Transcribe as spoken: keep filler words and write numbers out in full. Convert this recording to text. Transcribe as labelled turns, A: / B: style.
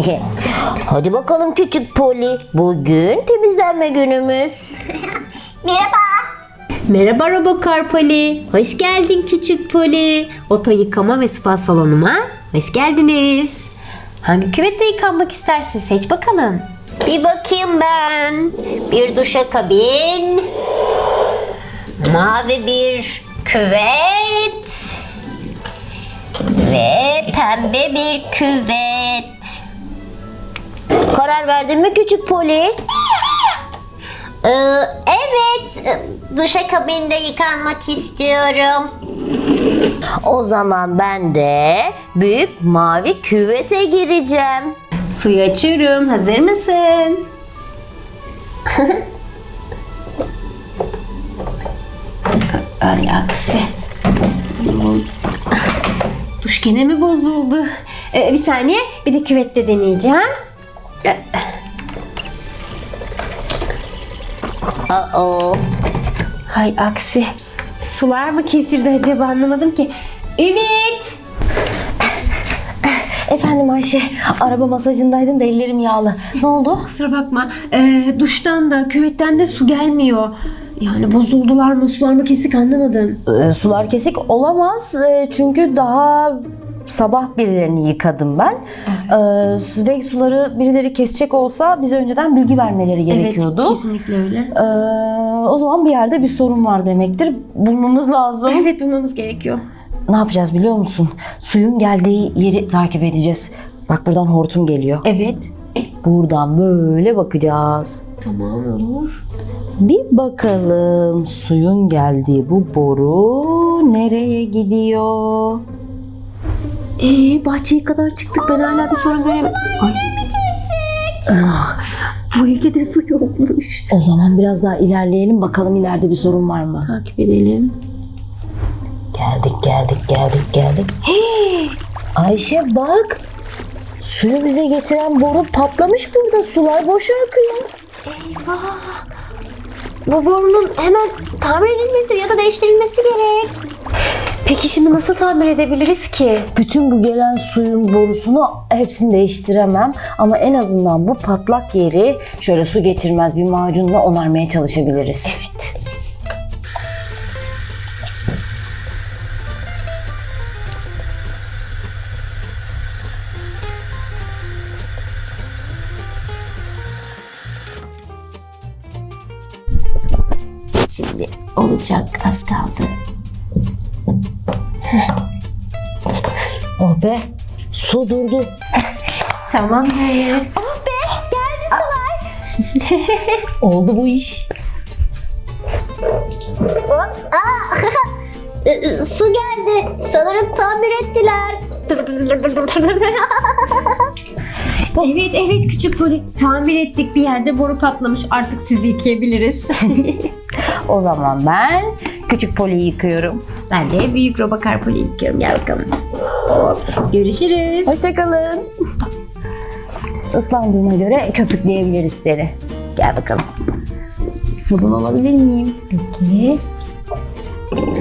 A: Hadi bakalım küçük Poli. Bugün temizlenme günümüz.
B: Merhaba.
C: Merhaba Robokar Poli. Hoş geldin küçük Poli. Oto yıkama ve spa salonuma hoş geldiniz. Hangi küvette yıkanmak istersin? Seç bakalım.
B: Bir bakayım ben. Bir duşakabin. Mavi bir küvet. Ve pembe bir küvet.
A: Karar verdin mi küçük Poli?
B: Ee, evet. Duşakabinde yıkanmak istiyorum.
A: O zaman ben de büyük mavi küvete gireceğim.
C: Suyu açıyorum. Hazır mısın? Ay aksi. Duş gene mi bozuldu? Ee, bir saniye. Bir de küvette deneyeceğim. Ee,
A: Aa,
C: Hay aksi. Sular mı kesildi acaba, anlamadım ki. Ümit!
A: efendim Ayşe, araba masajındaydım da ellerim yağlı. Ne oldu?
C: Kusura bakma. Ee, duştan da küvetten de su gelmiyor. Yani bozuldular mı, sular mı kesik, anlamadım.
A: Ee, sular kesik olamaz Ee, çünkü daha sabah birilerini yıkadım ben. Ee, ve suları birileri kesecek olsa bize önceden bilgi vermeleri gerekiyordu.
C: Evet, kesinlikle öyle.
A: Ee, o zaman bir yerde bir sorun var demektir. Bulmamız lazım.
C: Evet, bulmamız gerekiyor.
A: Ne yapacağız biliyor musun? Suyun geldiği yeri takip edeceğiz. Bak buradan hortum geliyor.
C: Evet.
A: Buradan böyle bakacağız.
C: Tamam, olur.
A: Bir bakalım suyun geldiği bu boru nereye gidiyor?
C: Ee, bahçeye kadar çıktık. Ben hala bir sorun göremedim. Ay. Ah, bu evde de su yokmuş.
A: O zaman biraz daha ilerleyelim bakalım ileride bir sorun var mı?
C: Takip edelim.
A: Geldik geldik geldik geldik. Hey! Ayşe bak. Suyu bize getiren boru patlamış burada. Sular boşa akıyor.
C: Eyvah! Bu borunun hemen tamir edilmesi ya da değiştirilmesi gerek. Peki şimdi nasıl tamir edebiliriz ki?
A: Bütün bu gelen suyun borusunu hepsini değiştiremem. Ama en azından bu patlak yeri şöyle su geçirmez bir macunla onarmaya çalışabiliriz.
C: Evet.
A: Şimdi olacak, az kaldı. Oh be, su durdu.
C: Tamamdır. Oh be! Geldi sular.
A: Oldu bu iş.
B: Ee, Su geldi. Sanırım tamir ettiler.
C: Evet evet küçük Poli. Tamir ettik, bir yerde boru patlamış. Artık sizi yıkayabiliriz.
A: O zaman ben küçük Poli'yi yıkıyorum.
C: Ben de büyük Robokar Poli'yi yıkıyorum. Gel bakalım. Görüşürüz.
A: Hoşçakalın. Islandığına göre köpükleyebiliriz seni. Gel bakalım. Sabun alabilir miyim? Peki.